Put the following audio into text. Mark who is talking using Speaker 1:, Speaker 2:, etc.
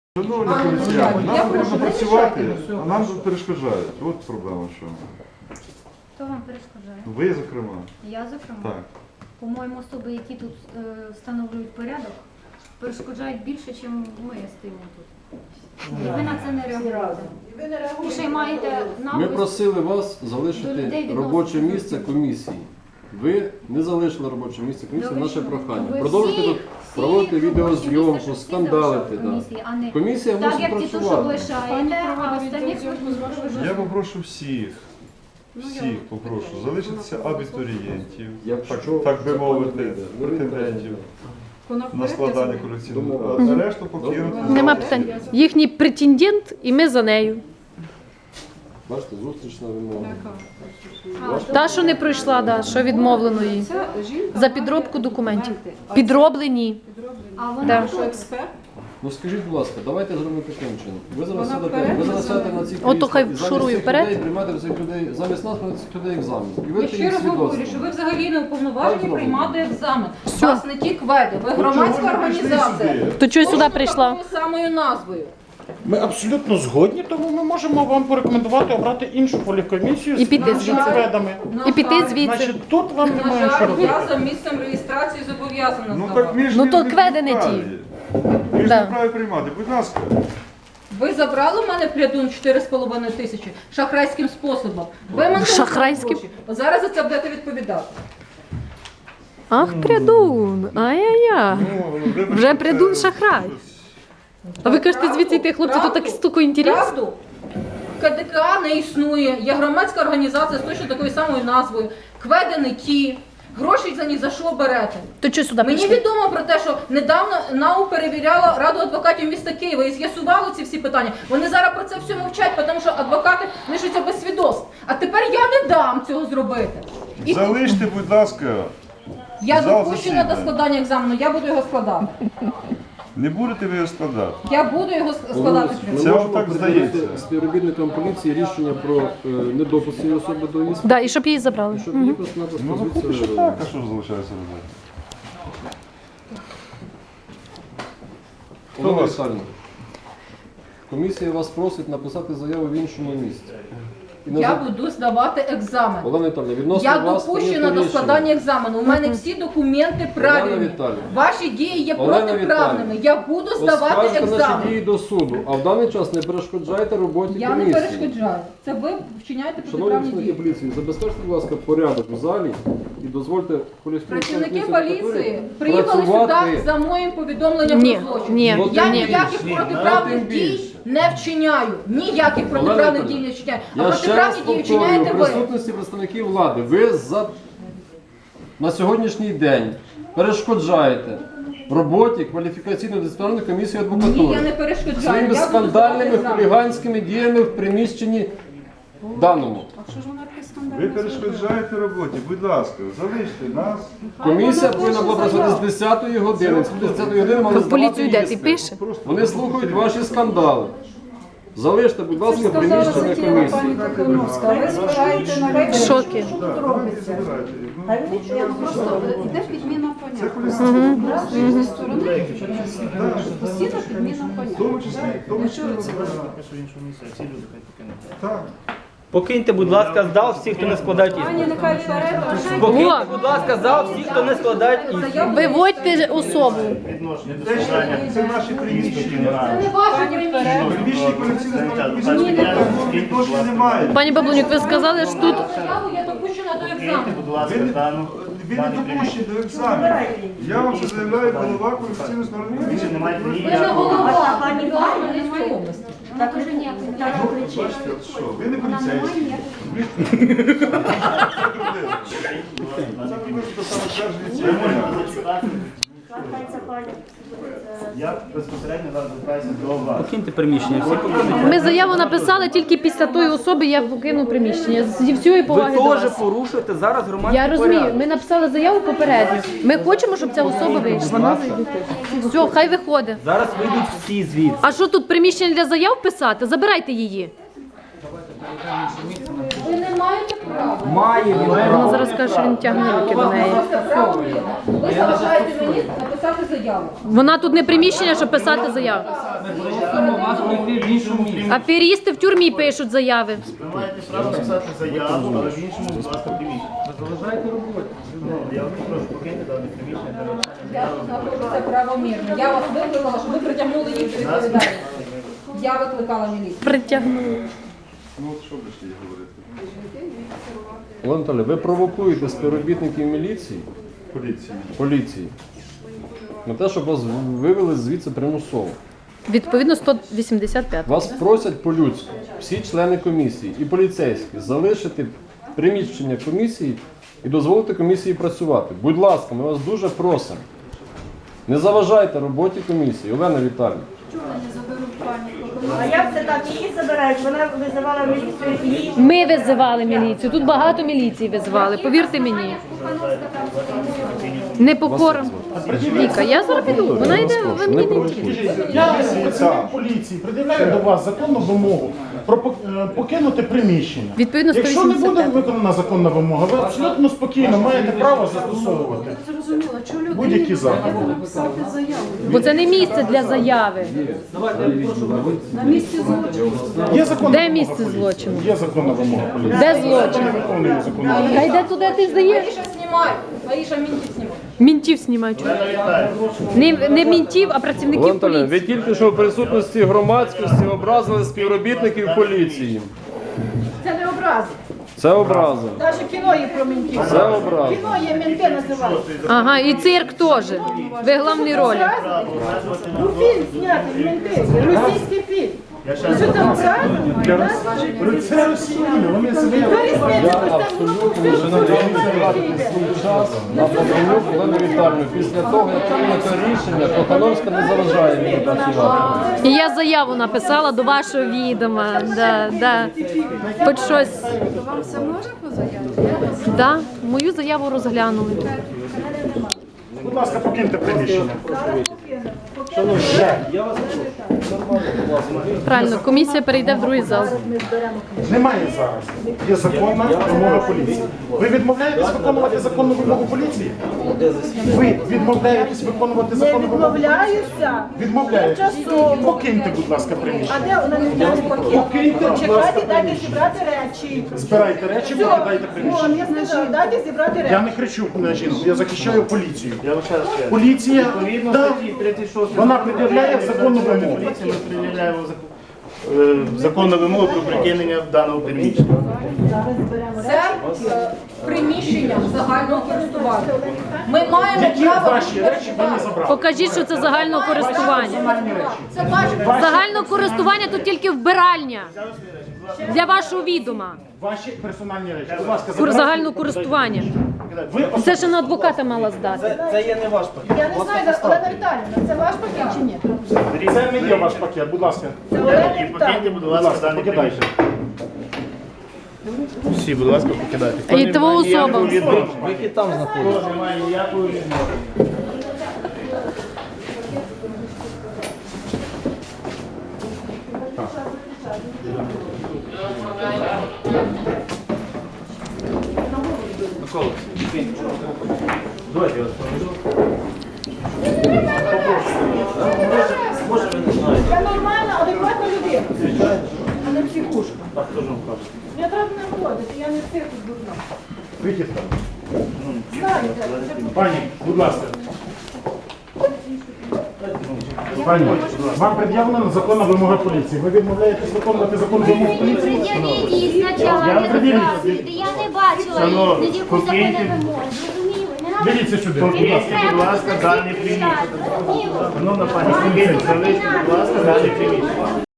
Speaker 1: Шановні поліціяни, нам потрібно працювати, а нам тут перешкоджають. От проблема в чому.
Speaker 2: Хто вам перешкоджає?
Speaker 1: Ви, зокрема.
Speaker 2: Я, зокрема?
Speaker 1: Так.
Speaker 2: По-моєму, особи, які тут встановлюють порядок, перешкоджають більше, ніж ми стоїмо тут. І ви на це не реагуєте. І ще й маєте
Speaker 3: Ми
Speaker 2: навик.
Speaker 3: просили вас
Speaker 2: До людей
Speaker 3: залишити
Speaker 2: відноситься.
Speaker 3: робоче місце комісії. Ви не залишили робоче місце комісії, наше прохання.
Speaker 2: Ви
Speaker 3: Продовжуйте тут
Speaker 2: всі
Speaker 3: проводити
Speaker 2: робочі
Speaker 3: відеозйомку,
Speaker 2: місця, щоб всі
Speaker 3: скандалити.
Speaker 2: залишали комісії, а не
Speaker 3: Комісія
Speaker 2: так,
Speaker 3: мусить
Speaker 2: як ті, що
Speaker 3: працювати.
Speaker 2: лишаєте, а останніх
Speaker 1: Я попрошу всіх попрошу залишитися абітурієнтів, так би мовити, претендентів на складання колекційного, а решту покинути.
Speaker 4: Нема питань. Їхній претендент і ми за нею.
Speaker 3: Бачите, зустрічна вимога.
Speaker 4: Та, що не пройшла, да, що відмовлено їй. За підробку документів. Підроблені.
Speaker 2: А вона
Speaker 4: Да.
Speaker 5: Експерт?
Speaker 3: Ну скажіть, будь ласка, давайте зробимо таким чином. Ви зараз сядете на ці
Speaker 4: Ото хай
Speaker 3: крісла, і
Speaker 4: шурує
Speaker 3: замість цих
Speaker 4: вперед.
Speaker 3: людей приймати в цих людей, замість нас приймати цих людей екзамен. І
Speaker 5: Я
Speaker 3: ви
Speaker 5: ще
Speaker 3: їх
Speaker 5: раз говорю, що
Speaker 3: свідоцтво.
Speaker 5: ви взагалі не уповноважені
Speaker 3: Так
Speaker 5: приймати екзамен.
Speaker 4: Все.
Speaker 5: Вас не ті кведи, ви громадська організація.
Speaker 4: То чого сюди
Speaker 5: Точно
Speaker 4: прийшла?
Speaker 5: такою самою назвою.
Speaker 6: Ми абсолютно згодні, тому ми можемо вам порекомендувати обрати іншу полікомісію
Speaker 4: І піти
Speaker 6: з
Speaker 4: звідси.
Speaker 6: кведами.
Speaker 4: І піти звідси.
Speaker 6: Значить, тут вам
Speaker 5: На
Speaker 6: немає що
Speaker 5: жаль,
Speaker 6: робити.
Speaker 5: я за місцем реєстрації зобов'язана
Speaker 1: Ну
Speaker 5: здавати.
Speaker 1: так ми ж
Speaker 4: Ну,
Speaker 1: не
Speaker 4: то
Speaker 1: в
Speaker 4: кведи не ті.
Speaker 1: праві. Ми ж
Speaker 4: Да.
Speaker 1: не вправі приймати, будь ласка.
Speaker 5: Ви забрали в мене плядун 4,5 тисячі шахрайським способом. Ви мене
Speaker 4: Шахрайським?
Speaker 5: гроші. Зараз за це будете відповідати.
Speaker 4: Ах, прядун. Ай-яй-яй.
Speaker 1: Вибачте,
Speaker 4: Вже прядун
Speaker 1: це
Speaker 4: шахрай.
Speaker 1: щось.
Speaker 4: А ви кажете, звідси йти, хлопці, тут так стуко інтересно.
Speaker 5: Правду? КДК не існує, є громадська організація з точно такою самою назвою. Кведи не ті. Гроші за ні за що берете.
Speaker 4: То чого сюди
Speaker 5: Мені
Speaker 4: прийшли?
Speaker 5: відомо про те, що недавно НАУ перевіряла Раду адвокатів міста Києва і з'ясували ці всі питання. Вони зараз про це все мовчать, тому що адвокати лишаться без свідоцтв. А тепер я не дам цього зробити. І
Speaker 1: Залиште, будь ласка,
Speaker 5: я
Speaker 1: зал
Speaker 5: допущена
Speaker 1: засідання.
Speaker 5: до складання екзамену, я буду його складати.
Speaker 1: Не будете ви його складати.
Speaker 5: Я буду його складати.
Speaker 3: Ми
Speaker 1: Це
Speaker 3: можемо
Speaker 1: отак
Speaker 3: приділити
Speaker 1: здається.
Speaker 3: співробітникам поліції рішення про недопуск цієї особи до іспиту,
Speaker 4: Да, і щоб її забрали.
Speaker 3: щоб її просто-напросто
Speaker 1: Ну, поки що
Speaker 3: звідси
Speaker 1: так, а що ж залишається робити?
Speaker 3: Олена
Speaker 1: вас?
Speaker 3: Віталіївна, комісія вас просить написати заяву в іншому місці. І
Speaker 5: Я
Speaker 3: назад-
Speaker 5: буду здавати екзамен.
Speaker 3: Олена Віталіївна, відносно
Speaker 5: Я
Speaker 3: вас
Speaker 5: допущена
Speaker 3: прийнято
Speaker 5: до
Speaker 3: рішення.
Speaker 5: складання екзамену. У мене всі документи правильні.
Speaker 3: Віталіївна.
Speaker 5: Ваші дії є
Speaker 3: Олена
Speaker 5: протиправними.
Speaker 3: Віталіївна.
Speaker 5: Я буду здавати
Speaker 3: Оскаржите наші
Speaker 5: екзамен.
Speaker 3: дії до суду, а в даний час не перешкоджайте роботі
Speaker 5: Я не
Speaker 3: комісії.
Speaker 5: перешкоджаю. Це ви вчиняєте
Speaker 3: Шановні
Speaker 5: протиправні
Speaker 3: працівники
Speaker 5: дії.
Speaker 3: поліції, забезпечте, будь ласка, порядок у залі і дозвольте
Speaker 5: Працівники поліції приїхали сюди за моїм повідомленням
Speaker 4: Ні,
Speaker 5: про злочин.
Speaker 4: ні,
Speaker 5: Я
Speaker 4: ні.
Speaker 5: ніяких протиправних
Speaker 3: Тим
Speaker 5: дій
Speaker 3: більше.
Speaker 5: не вчиняю. Ніяких протиправних дій не вчиняю. А
Speaker 3: Я ще раз
Speaker 5: протиправні дії
Speaker 3: повторюю,
Speaker 5: вчиняєте
Speaker 3: в
Speaker 5: ви.
Speaker 3: присутності представників влади, ви на сьогоднішній день перешкоджаєте роботі кваліфікаційно-дисциплінарної комісії адвокатури.
Speaker 5: Ні, я не перешкоджаю.
Speaker 3: Своїми
Speaker 5: Я буду
Speaker 3: скандальними
Speaker 5: здавати екзамен.
Speaker 3: хуліганськими діями в приміщенні даному.
Speaker 1: Ви перешкоджаєте роботі, будь ласка, залиште нас.
Speaker 3: Комісія повинна була працювати з 10-ї години. З 10-ї години мали
Speaker 4: В поліцію
Speaker 3: здавати
Speaker 4: йде і
Speaker 3: іспит.
Speaker 4: пише.
Speaker 3: Вони слухають ваші скандали. Залиште, будь ласка, приміщення комісії.
Speaker 5: Ви збираєте на
Speaker 4: В шокі.
Speaker 7: Просто йде підміна
Speaker 1: Це
Speaker 7: поняття.
Speaker 1: поліція.
Speaker 7: З іншої сторони постійно підміна
Speaker 1: В
Speaker 7: поняття.
Speaker 1: тому числі, в тому числі. Так.
Speaker 8: Покиньте, будь ласка, зал всіх, хто не складають
Speaker 7: Ані
Speaker 8: іспит.
Speaker 7: нехай вперед,
Speaker 8: Покиньте, будь ласка, зал всіх, хто не складають іспит.
Speaker 4: Виводьте особу.
Speaker 1: Це наші приміщення.
Speaker 5: не ваші приміщення.
Speaker 1: Приміщення колекційної відношення немає.
Speaker 4: Пані Баблонюк, ви сказали, що тут
Speaker 5: Заяву я допущена до екзамену.
Speaker 1: Ви не допущені до екзамену. Я вам це заявляю голова колекційної сторони комісії.
Speaker 5: Ви не голова, пані Хмельницької області.
Speaker 2: Так уже ніякої не
Speaker 1: Бачите, от що, ви не поліцейські.
Speaker 9: Я безпосередньо зараз звертаюся до вас.
Speaker 8: Покиньте приміщення, всі покинуть.
Speaker 4: ми заяву написали тільки після тої особи, як покинув приміщення. Зі всієї
Speaker 8: Ви
Speaker 4: поваги до
Speaker 8: теж
Speaker 4: вас.
Speaker 8: порушуєте зараз громадський
Speaker 4: Я розумію,
Speaker 8: порядок.
Speaker 4: ми написали заяву попередньо. Ми хочемо, щоб ця особа вийшла. Все, хай виходить.
Speaker 8: Зараз вийдуть всі звідси.
Speaker 4: А що тут приміщення для заяв писати? Забирайте її.
Speaker 5: Ви не маєте права.
Speaker 4: Вона зараз каже, що він тягне руки до неї.
Speaker 5: Право є. Ви заважаєте мені написати заяву.
Speaker 4: Вона тут не приміщення, щоб писати заяву.
Speaker 5: І
Speaker 9: в іншому місці.
Speaker 4: Аферісти в тюрмі пишуть заяви.
Speaker 9: Ви маєте право писати заяву, але в іншому, будь ласка, приміщенні. Ви залишаєте роботу. Я вас прошу покиньте дане приміщення для написання
Speaker 5: Я
Speaker 9: заяви.
Speaker 5: тут знаходжуся правомірно. Я вас викликала, щоб ви притягнули їх до відповідальності. Я викликала міліцію.
Speaker 4: Притягнули.
Speaker 1: Ну от що будеш їй говорити?
Speaker 3: Олена Анатолійовна, ви провокуєте співробітників міліції, поліції, на те, щоб вас вивели звідси примусово.
Speaker 4: Відповідно 185.
Speaker 3: Вас просять по-людськи, всі члени комісії і поліцейські, залишити приміщення комісії і дозволити комісії працювати. Будь ласка, ми вас дуже просимо. Не заважайте роботі комісії. Олена Віталіївна.
Speaker 7: А як це так? Її забирають? Вона визивала міліцію і її...
Speaker 4: Ми визивали міліцію. Тут багато міліції визивали, повірте мені. Непокора. Віка, я зараз піду. Вона йде, ви
Speaker 3: Не
Speaker 4: мені не
Speaker 3: провокуйте.
Speaker 6: Я працівник поліції пред'являю до вас законну вимогу про покинути приміщення.
Speaker 4: Відповідно,
Speaker 6: Якщо не буде
Speaker 4: 185.
Speaker 6: виконана законна вимога, ви абсолютно спокійно маєте право застосовувати будь-які заходи.
Speaker 4: Бо це не місце для заяви.
Speaker 6: Є законна
Speaker 4: Де
Speaker 6: вимога
Speaker 4: місце
Speaker 6: поліції.
Speaker 4: злочину?
Speaker 6: Є законна вимога поліції.
Speaker 4: Де
Speaker 6: Ми
Speaker 4: злочин?
Speaker 6: не виконуємо законну вимогу.
Speaker 4: Та йде туди, ти здаєш.
Speaker 5: Аїша знімай. Аїша мінтів знімай.
Speaker 4: Мінтів знімають. Не мінтів, а
Speaker 3: Олена
Speaker 4: працівників
Speaker 3: Анатолійовна, ви
Speaker 4: поліції.
Speaker 3: тільки що в присутності громадськості образили співробітників поліції.
Speaker 7: Це не образи.
Speaker 3: Це образи.
Speaker 7: Навіть кіно є про мінтів.
Speaker 3: Це образи.
Speaker 7: Кіно є, мінти називають.
Speaker 4: Ага, і цирк теж. Ви головні ролі.
Speaker 7: Ну фільм знятий, мінти. Російський фільм. Що це образи?
Speaker 6: Це росіяни, вони себе...
Speaker 3: Я абсолютно час на Богданюк Олену Віталіївну. Після того, як прийнято рішення, Кохановська не заважає мені працювати.
Speaker 4: І я заяву написала до вашого відома. Да. Хоч щось.
Speaker 2: Вам все можна по заяві?
Speaker 4: Да, мою заяву розглянули.
Speaker 6: Будь ласка, покиньте приміщення.
Speaker 4: Правильно, комісія перейде в другий зал.
Speaker 6: Немає зараз. Є законна вимога поліції. Ви відмовляєтесь виконувати законну вимогу поліції? Ви відмовляєтесь виконувати
Speaker 7: Не
Speaker 6: законну вимогу?
Speaker 7: відмовляюся.
Speaker 6: Відмовляєтесь.
Speaker 7: Тимчасово.
Speaker 6: Покиньте, будь ласка,
Speaker 7: А
Speaker 6: приміщення.
Speaker 7: де вона не взяла пакет?
Speaker 6: Покиньте, будь ласка,
Speaker 7: Чекайте, дайте
Speaker 6: приміщення.
Speaker 7: зібрати речі.
Speaker 6: Збирайте речі, покидайте
Speaker 7: Вон,
Speaker 6: приміщення.
Speaker 7: я сказала, дайте зібрати
Speaker 6: Я
Speaker 7: речі.
Speaker 6: не кричу на жінку, я захищаю поліцію.
Speaker 9: Я вам ще раз кажу.
Speaker 6: Поліція,
Speaker 9: Відповідно
Speaker 6: да,
Speaker 9: статті 36
Speaker 6: вона пред'являє законну вимогу.
Speaker 9: поліції, ми пред'являємо законну вимогу про прикинення даного приміщення.
Speaker 5: Це приміщення загального користування. Ми маємо
Speaker 6: Які
Speaker 5: право
Speaker 6: ваші речі ви не забрали?
Speaker 4: Покажіть, що це загального користування.
Speaker 5: Це ваше
Speaker 4: Загального користування тут тільки вбиральня. Для вашого відома.
Speaker 6: Ваші персональні речі. Будь ласка,
Speaker 4: Кур
Speaker 6: забирайте.
Speaker 4: загального користування.
Speaker 6: Ви
Speaker 4: Це ще на адвоката мала здати.
Speaker 9: Це є не ваш пакет.
Speaker 7: Я не знаю, Олена Віталіївна, це ваш пакет чи ні?
Speaker 6: Це не є ваш пакет, будь ласка.
Speaker 7: Це Олена
Speaker 9: І покиньте,
Speaker 7: Віталіївна.
Speaker 9: будь
Speaker 6: Будь
Speaker 9: ласка,
Speaker 6: ласка,
Speaker 9: дані
Speaker 6: покидайте.
Speaker 9: приміщення. Всі, будь ласка, покидайте.
Speaker 4: І твоя особа.
Speaker 3: Вихід там знаходиться.
Speaker 9: Немає ніякої відмови. Давайте я вас проведу. Може ви не знаєте.
Speaker 7: Я нормальна, адекватна людина. А не психушка.
Speaker 9: Так, хто ж вам каже?
Speaker 7: Я треба не ходити, я не психус дурна.
Speaker 6: Вихід там.
Speaker 7: Знаєте,
Speaker 6: Пані, будь ласка. Пані, вам пред'явлена законна вимога поліції. Ви відмовляєтесь виконувати законну вимогу поліції?
Speaker 2: Пред'явіть її спочатку,
Speaker 6: Я
Speaker 2: не
Speaker 6: пред'явіть.
Speaker 2: розказуйте. Я не бачила
Speaker 9: Шановні,
Speaker 2: її, яку закони
Speaker 9: покиньте.
Speaker 2: вимоги. Зрозуміли? Не надо.
Speaker 6: Дивіться сюди.
Speaker 9: Покиньте, будь ласка, дані приміщення. Шановна пані, покиньте, залиште, будь ласка, дані приміщення.